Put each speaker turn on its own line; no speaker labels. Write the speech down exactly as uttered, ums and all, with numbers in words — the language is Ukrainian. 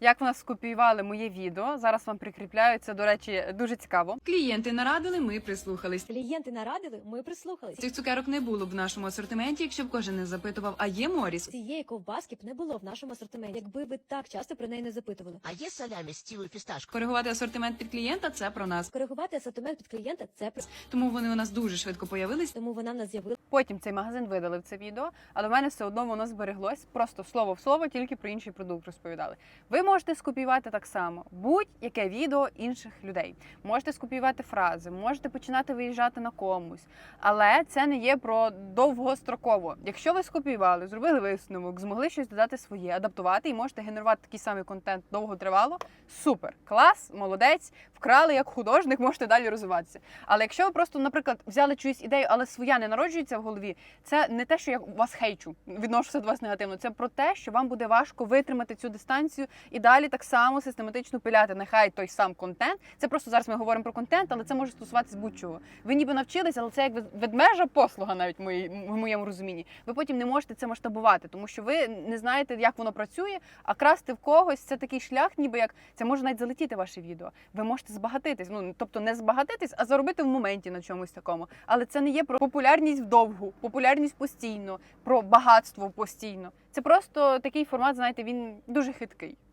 Як в нас скопіювали моє відео, зараз вам прикріпляю, це, до речі, дуже цікаво.
Клієнти нарадили, ми прислухались.
Клієнти нарадили, ми прислухались.
Цих цукерок не було б в нашому асортименті, якщо б кожен не запитував, а є Моріс?
Цієї ковбаски б не було в нашому асортименті, якби ви так часто про неї не запитували.
А є салямі з цілою фісташкою?
Коригувати асортимент під клієнта – це про нас.
Коригувати асортимент під клієнта – це про...
Тому вони у нас дуже швидко появились.
Тому вона в нас з'явилася.
Потім цей магазин видалив це відео, але в мене все одно воно збереглось, просто слово в слово, тільки про інший продукт розповідали. Ви можете скопіювати так само будь-яке відео інших людей. Можете скопіювати фрази, можете починати виїжджати на комусь, але це не є про довгостроково. Якщо ви скопіювали, зробили висновок, змогли щось додати своє, адаптувати і можете генерувати такий самий контент довготривало, супер, клас, молодець, вкрали як художник, можете далі розвиватися. Але якщо ви просто, наприклад, взяли чиюсь ідею, але своя не народжується в голові, це не те, що я вас хейчу, відношуся до вас негативно, це про те, що вам буде важко витримати цю дистанцію і далі так само систематично пиляти. Нехай той сам контент, це просто зараз ми говоримо про контент, але це може стосуватися будь-чого. Ви ніби навчились, але це як ведмежа послуга навіть в, моїй, в моєму розумінні. Ви потім не можете це масштабувати, тому що ви не знаєте, як воно працює, а красти в когось це такий шлях, ніби як це може навіть залетіти ваше відео. Ви можете збагатитись, ну тобто не збагатитись, а заробити в моменті на чомусь такому. Але це не є про популярність вдовгу, популярність постійно, про багатство постійно. Це просто такий формат, знаєте, він дуже хиткий.